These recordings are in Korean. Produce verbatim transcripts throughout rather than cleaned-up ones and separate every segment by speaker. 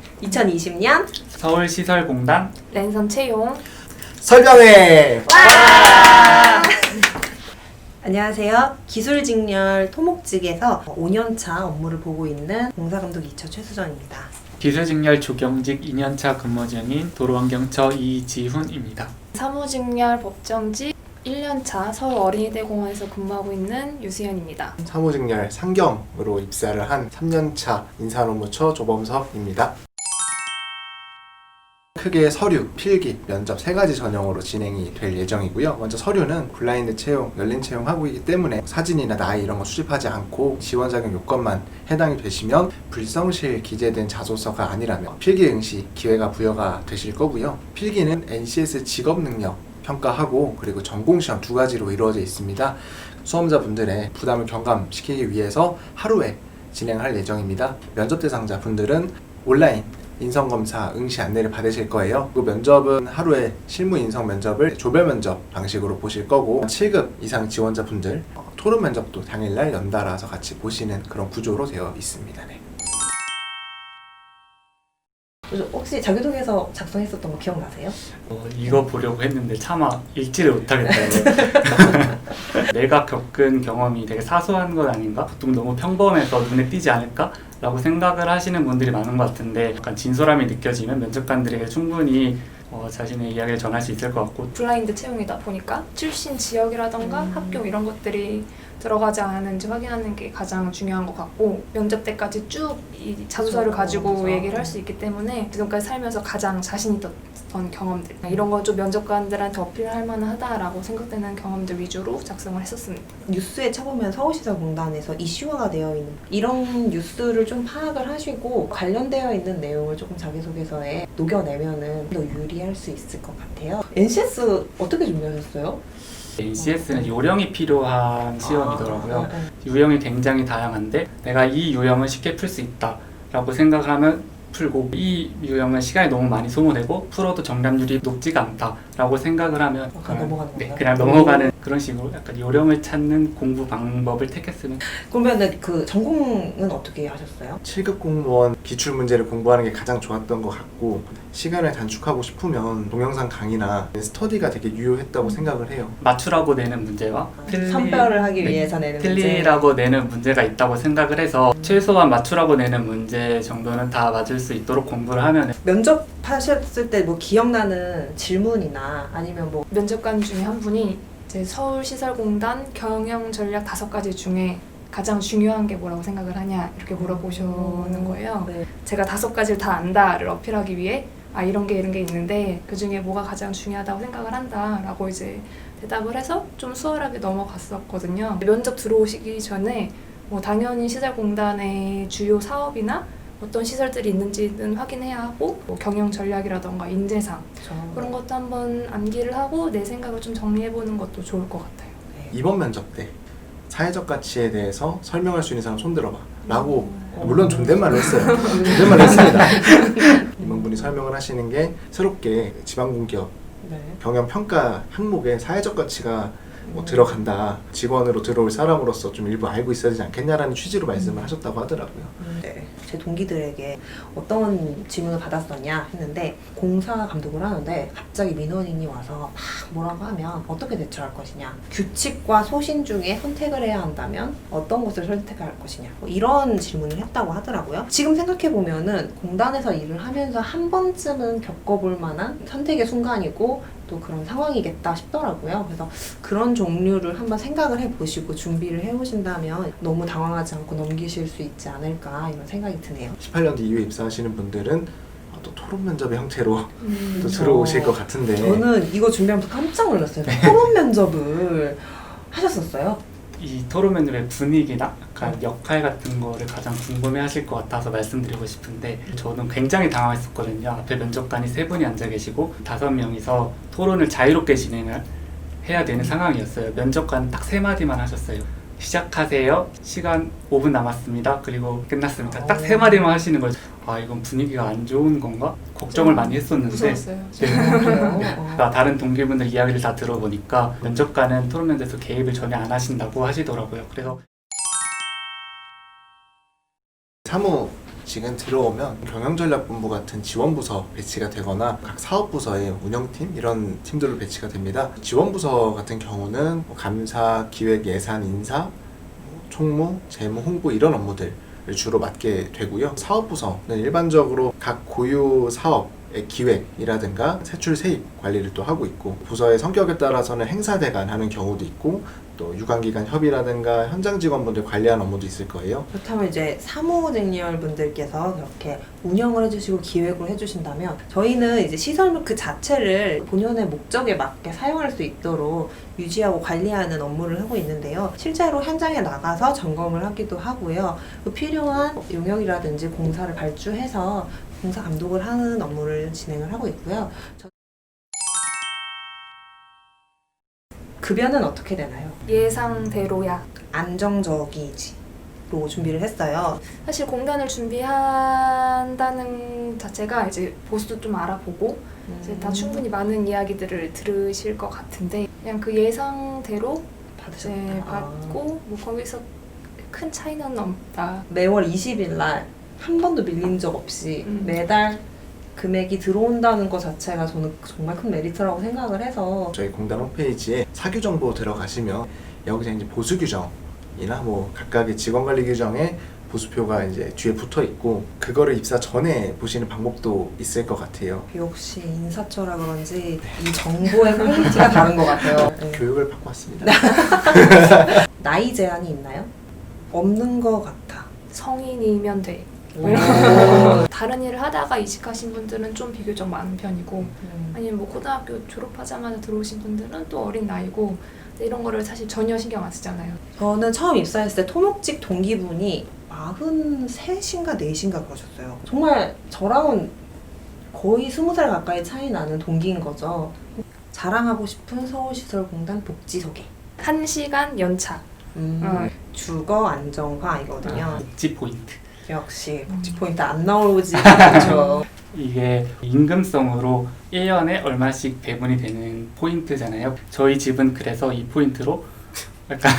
Speaker 1: 이천이십 년
Speaker 2: 서울시설공단
Speaker 3: 랜선 채용.
Speaker 4: 설명회!
Speaker 1: 안녕하세요. 기술직렬 토목직에서 오 년차 업무를 보고 있는 공사감독 이 차 최수정입니다.
Speaker 2: 기술직렬 조경직 이 년차 근무 중인 도로환경처 이지훈입니다.
Speaker 3: 사무직렬 법정직 일 년차 서울 어린이대공원에서 근무하고 있는 유수연입니다.
Speaker 4: 사무직렬 상경으로 입사를 한 삼 년차 인사노무처 조범석입니다. 크게 서류, 필기, 면접 세 가지 전형으로 진행이 될 예정이고요. 먼저 서류는 블라인드 채용, 열린 채용하고 있기 때문에 사진이나 나이 이런 거 수집하지 않고 지원 자격 요건만 해당이 되시면 불성실 기재된 자소서가 아니라면 필기 응시 기회가 부여가 되실 거고요. 필기는 엔씨에스 직업 능력 평가하고 그리고 전공시험 두 가지로 이루어져 있습니다. 수험자분들의 부담을 경감시키기 위해서 하루에 진행할 예정입니다. 면접 대상자 분들은 온라인 인성검사 응시 안내를 받으실 거예요. 그 면접은 하루에 실무 인성 면접을 조별 면접 방식으로 보실 거고 칠 급 이상 지원자분들 어, 토론 면접도 당일날 연달아서 같이 보시는 그런 구조로 되어 있습니다. 네.
Speaker 1: 혹시 자기소개서 작성했었던 거 기억나세요?
Speaker 2: 어, 이거 보려고 했는데 차마 읽지를 못하겠더라고요. 내가 겪은 경험이 되게 사소한 건 아닌가? 보통 너무 평범해서 눈에 띄지 않을까? 라고 생각을 하시는 분들이 많은 것 같은데 약간 진솔함이 느껴지면 면접관들에게 충분히 어, 자신의 이야기를 전할 수 있을 것 같고
Speaker 3: 블라인드 채용이다 보니까 출신 지역이라던가
Speaker 1: 음.
Speaker 3: 학교 이런 것들이 들어가지 않았는지 확인하는 게 가장 중요한 것 같고 면접 때까지 쭉 이 자소서를
Speaker 1: 그렇죠.
Speaker 3: 가지고
Speaker 1: 그렇죠.
Speaker 3: 얘기를 할 수 있기 때문에 지금까지 살면서 가장 자신 있던 경험들 이런 거 좀 면접관들한테 어필할 만하다라고 생각되는 경험들 위주로 작성을 했었습니다.
Speaker 1: 뉴스에 쳐보면 서울시설공단에서 이슈화가 되어 있는 이런 뉴스를 좀 파악을 하시고 관련되어 있는 내용을 조금 자기소개서에 녹여내면은 더 유리할 수 있을 것 같아요. 엔씨에스 어떻게 준비하셨어요?
Speaker 2: 엔씨에스는 요령이 필요한 시험이더라고요.
Speaker 1: 아, 네.
Speaker 2: 유형이 굉장히 다양한데 내가 이 유형을 쉽게 풀 수 있다 라고 생각을 하면 풀고 이 유형은 시간이 너무 많이 소모되고 풀어도 정답률이 높지가 않다 라고 생각을 하면
Speaker 1: 어, 그냥 넘어가는
Speaker 2: 네,
Speaker 1: 건가요?
Speaker 2: 그냥 넘어가는 그런 식으로 약간 요령을 찾는 공부 방법을 택했으면
Speaker 1: 그러면은 그 전공은 어떻게 하셨어요?
Speaker 4: 칠 급 공무원 기출문제를 공부하는 게 가장 좋았던 것 같고 시간을 단축하고 싶으면 동영상 강의나 스터디가 되게 유효했다고 생각을 해요.
Speaker 2: 맞추라고 내는 문제와 틀리-
Speaker 1: 선별을 하기
Speaker 2: 네,
Speaker 1: 위해서 내는 문제.
Speaker 2: 틀리라고 내는 문제가 있다고 생각을 해서
Speaker 1: 음.
Speaker 2: 최소한 맞추라고 내는 문제 정도는 다 맞을 수 있도록 공부를 하면
Speaker 1: 면접하셨을 때 뭐 기억나는 질문이나 아니면 뭐
Speaker 3: 면접관 중에 한 분이 이제 서울시설공단 경영 전략 다섯 가지 중에 가장 중요한 게 뭐라고 생각을 하냐 이렇게 물어보시는 거예요.
Speaker 1: 네.
Speaker 3: 제가 다섯 가지를 다 안다를 어필하기 위해 아 이런 게 이런 게 있는데 그 중에 뭐가 가장 중요하다고 생각을 한다라고 이제 대답을 해서 좀 수월하게 넘어갔었거든요. 면접 들어오시기 전에 뭐 당연히 시설공단의 주요 사업이나 어떤 시설들이 있는지는 확인해야 하고 뭐 경영 전략이라던가 인재상
Speaker 1: 그렇죠.
Speaker 3: 그런 것도 한번 암기를 하고 내 생각을 좀 정리해보는 것도 좋을 것 같아요.
Speaker 4: 이번 면접 때 사회적 가치에 대해서 설명할 수 있는 사람 손들어봐 라고
Speaker 1: 음.
Speaker 4: 물론 존댓말로 했어요. 존댓말로 했습니다. 임원분이 설명을 하시는 게 새롭게 지방공기업
Speaker 1: 네.
Speaker 4: 경영평가 항목에 사회적 가치가 뭐
Speaker 1: 음.
Speaker 4: 들어간다. 직원으로 들어올 사람으로서 좀 일부 알고 있어야 되지 않겠냐라는 취지로 말씀을 하셨다고 하더라고요.
Speaker 1: 네. 제 동기들에게 어떤 질문을 받았었냐 했는데 공사 감독을 하는데 갑자기 민원인이 와서 막 뭐라고 하면 어떻게 대처할 것이냐, 규칙과 소신 중에 선택을 해야 한다면 어떤 것을 선택할 것이냐, 뭐 이런 질문을 했다고 하더라고요. 지금 생각해보면은 공단에서 일을 하면서 한 번쯤은 겪어볼 만한 선택의 순간이고 또 그런 상황이겠다 싶더라고요. 그래서 그런 종류를 한번 생각을 해보시고 준비를 해오신다면 너무 당황하지 않고 넘기실 수 있지 않을까 이런 생각이 드네요.
Speaker 4: 십팔 년도 이후에 입사하시는 분들은 또 토론 면접의 형태로
Speaker 1: 음,
Speaker 4: 또
Speaker 1: 저-
Speaker 4: 들어오실 것 같은데
Speaker 1: 저는 이거 준비하면서 깜짝 놀랐어요. 토론 면접을 하셨었어요?
Speaker 2: 이 토론 면접의 분위기나 약간 역할 같은 거를 가장 궁금해 하실 것 같아서 말씀드리고 싶은데 저는 굉장히 당황했었거든요. 앞에 면접관이 세 분이 앉아 계시고 다섯 명이서 토론을 자유롭게 진행을 해야 되는 상황이었어요. 면접관 딱 세 마디만 하셨어요. 시작하세요. 시간 오 분 남았습니다. 그리고 끝났습니다. 딱 세 마디만 하시는 거예요. 아 이건 분위기가 안 좋은 건가? 걱정을 많이 했었는데
Speaker 3: 무서웠어요.
Speaker 2: 네.
Speaker 1: 아, 그래요? 어.
Speaker 2: 나 다른 동기분들 이야기를 다 들어보니까 면접관은 토론 면접에서 개입을 전혀 안 하신다고 하시더라고요. 그래서
Speaker 4: 사무 조직은 들어오면 경영전략본부 같은 지원부서 배치가 되거나 각 사업부서의 운영팀 이런 팀들로 배치가 됩니다. 지원부서 같은 경우는 뭐 감사, 기획, 예산, 인사, 뭐 총무, 재무, 홍보 이런 업무들을 주로 맡게 되고요. 사업부서는 일반적으로 각 고유 사업의 기획이라든가 세출 세입 관리를 또 하고 있고, 부서의 성격에 따라서는 행사대관 하는 경우도 있고, 또 유관기관 협의라든가 현장 직원분들 관리하는 업무도 있을 거예요.
Speaker 1: 그렇다면 이제 사무직렬 분들께서 그렇게 운영을 해주시고 기획을 해주신다면, 저희는 이제 시설 그 자체를 본연의 목적에 맞게 사용할 수 있도록 유지하고 관리하는 업무를 하고 있는데요. 실제로 현장에 나가서 점검을 하기도 하고요. 그 필요한 용역이라든지 공사를 발주해서 공사 감독을 하는 업무를 진행을 하고 있고요. 저- 급여는 어떻게 되나요?
Speaker 3: 예상대로야.
Speaker 1: 안정적이지로 준비를 했어요.
Speaker 3: 사실 공단을 준비한다는 자체가 이제 보수도 좀 알아보고 이제 다 충분히 많은 이야기들을 들으실 것 같은데, 그냥 그 예상대로 이제
Speaker 1: 받으셨다.
Speaker 3: 받고 뭐 거기서 큰 차이는 없다.
Speaker 1: 매월 이십 일 날 한 번도 밀린 적 없이
Speaker 3: 음.
Speaker 1: 매달 금액이 들어온다는 것 자체가 저는 정말 큰 메리트라고 생각을 해서.
Speaker 4: 저희 공단 홈페이지에 사규 정보 들어가시면 여기서 이제 보수 규정이나 뭐 각각의 직원 관리 규정에 보수표가 이제 뒤에 붙어 있고, 그거를 입사 전에 보시는 방법도 있을 것 같아요.
Speaker 1: 역시 인사처라 그런지 이 정보의 퀄리티가 다른 것 같아요. 네.
Speaker 4: 교육을 받고 왔습니다.
Speaker 1: 나이 제한이 있나요? 없는 것 같아.
Speaker 3: 성인이면 돼.
Speaker 1: 오.
Speaker 3: 다른 일을 하다가 이직하신 분들은 좀 비교적 많은 편이고,
Speaker 1: 음.
Speaker 3: 아니면 뭐 고등학교 졸업하자마자 들어오신 분들은 또 어린 나이고, 근데 이런 거를 사실 전혀 신경 안 쓰잖아요.
Speaker 1: 저는 처음 입사했을 때 토목직 동기분이 마흔셋인가 넷인가 그러셨어요. 정말 저랑은 거의 스무 살 가까이 차이 나는 동기인 거죠. 자랑하고 싶은 서울시설공단 복지소개.
Speaker 3: 한 시간 연차.
Speaker 1: 음,
Speaker 3: 어.
Speaker 1: 주거 안정화이거든요.
Speaker 2: 아, 복지 포인트.
Speaker 1: 역시 복지 포인트 안 나오지 않죠.
Speaker 2: 이게 임금성으로 일 년에 얼마씩 배분이 되는 포인트잖아요. 저희 집은 그래서 이 포인트로 약간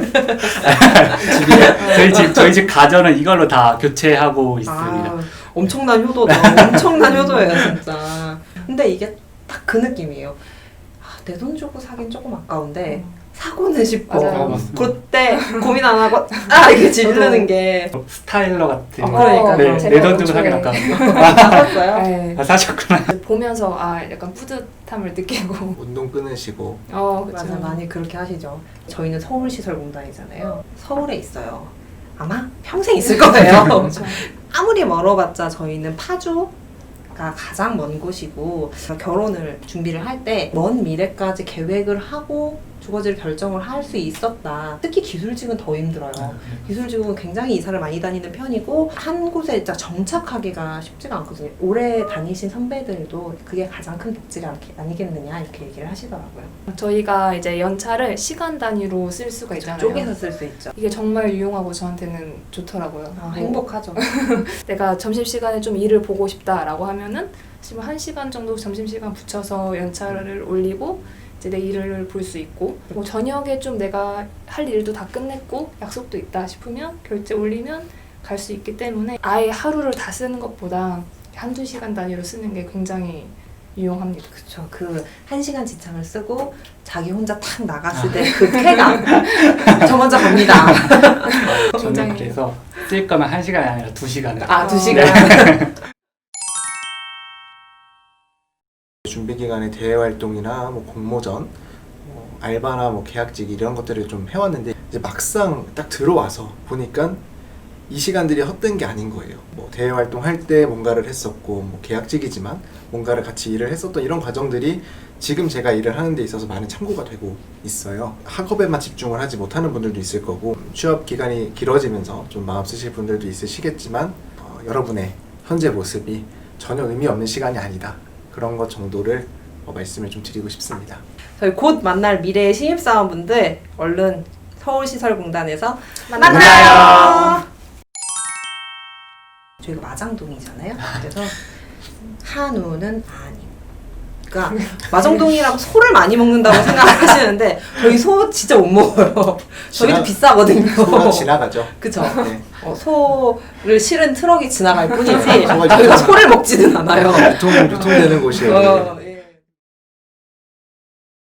Speaker 2: 집이 저희 집 저희 집 가전은 이걸로 다 교체하고 있습니다.
Speaker 1: 아, 엄청난 효도다. 엄청난 효도예요, 진짜. 근데 이게 딱 그 느낌이에요. 아, 내 돈 주고 사긴 조금 아까운데 사고는 싶어.
Speaker 3: 맞아요.
Speaker 2: 아, 맞습니다.
Speaker 1: 그때 고민 안 하고 아 이게 지르는 게.
Speaker 2: 스타일러 같은
Speaker 1: 어,
Speaker 2: 거.
Speaker 1: 그러니까요.
Speaker 2: 네,
Speaker 3: 제가
Speaker 2: 내 돈 주고
Speaker 3: 애초에
Speaker 2: 사긴 아까운데.
Speaker 1: 사셨어요?
Speaker 3: 네.
Speaker 2: 아, 사셨구나.
Speaker 3: 보면서 아 약간 뿌듯함을 느끼고.
Speaker 4: 운동 끊으시고
Speaker 3: 어
Speaker 1: 맞아,
Speaker 3: 그렇죠.
Speaker 1: 많이 그렇게 하시죠. 저희는 서울시설공단이잖아요. 서울에 있어요. 아마 평생 있을 거예요.
Speaker 3: 그렇죠.
Speaker 1: 아무리 멀어봤자 저희는 파주가 가장 먼 곳이고, 결혼을 준비를 할 때 먼 미래까지 계획을 하고 주거지를 결정을 할 수 있었다. 특히 기술직은 더 힘들어요. 기술직은 굉장히 이사를 많이 다니는 편이고 한 곳에 진짜 정착하기가 쉽지가 않거든요. 오래 다니신 선배들도 그게 가장 큰 복지가 아니- 아니겠느냐 이렇게 얘기를 하시더라고요.
Speaker 3: 저희가 이제 연차를 시간 단위로 쓸 수가 있잖아요.
Speaker 1: 쪼개서 쓸 수 있죠.
Speaker 3: 이게 정말 유용하고 저한테는 좋더라고요.
Speaker 1: 아,
Speaker 3: 뭐
Speaker 1: 행복하죠.
Speaker 3: 내가 점심시간에 좀 일을 보고 싶다라고 하면은 지금 한 시간 정도 점심시간 붙여서 연차를 올리고 이제 내 일을 볼 수 있고, 뭐 저녁에 좀 내가 할 일도 다 끝냈고 약속도 있다 싶으면 결제 올리면 갈 수 있기 때문에 아예 하루를 다 쓰는 것보다 한두 시간 단위로 쓰는 게 굉장히 유용합니다.
Speaker 1: 그쵸. 그 한 시간 지참을 쓰고 자기 혼자 탁 나갔을 때 그 쾌감. 저 먼저 갑니다.
Speaker 2: 저는
Speaker 3: 굉장히-
Speaker 2: 그래서 쓸 거면 한 시간이 아니라 두 시간을.
Speaker 1: 아, 두
Speaker 3: 어.
Speaker 1: 시간.
Speaker 4: 준비 기간에 대외 활동이나 뭐 공모전, 뭐 알바나 뭐 계약직 이런 것들을 좀 해왔는데, 이제 막상 딱 들어와서 보니까 이 시간들이 헛된 게 아닌 거예요. 뭐 대외 활동할 때 뭔가를 했었고, 뭐 계약직이지만 뭔가를 같이 일을 했었던 이런 과정들이 지금 제가 일을 하는 데 있어서 많은 참고가 되고 있어요. 학업에만 집중을 하지 못하는 분들도 있을 거고, 취업 기간이 길어지면서 좀 마음 쓰실 분들도 있으시겠지만, 어, 여러분의 현재 모습이 전혀 의미 없는 시간이 아니다. 그런 것 정도를 어, 말씀을 좀 드리고 싶습니다.
Speaker 1: 저희 곧 만날 미래의 신입사원분들 얼른 서울시설공단에서
Speaker 3: 만나요.
Speaker 1: 만나요. 저희가 마장동이잖아요. 그래서 한우는 아님, 그러니까 마정동이라고 소를 많이 먹는다고 생각하시는데 저희 소 진짜 못 먹어요. 저희도
Speaker 4: 지나-
Speaker 1: 비싸거든요.
Speaker 4: 소는 지나가죠.
Speaker 1: 그쵸?
Speaker 4: 네.
Speaker 1: 어, 소를 실은 트럭이 지나갈 뿐이지
Speaker 4: 소가
Speaker 1: 저희가
Speaker 4: 유통-
Speaker 1: 소를 먹지는 않아요.
Speaker 4: 유통 유통되는 곳이에요.
Speaker 1: 어,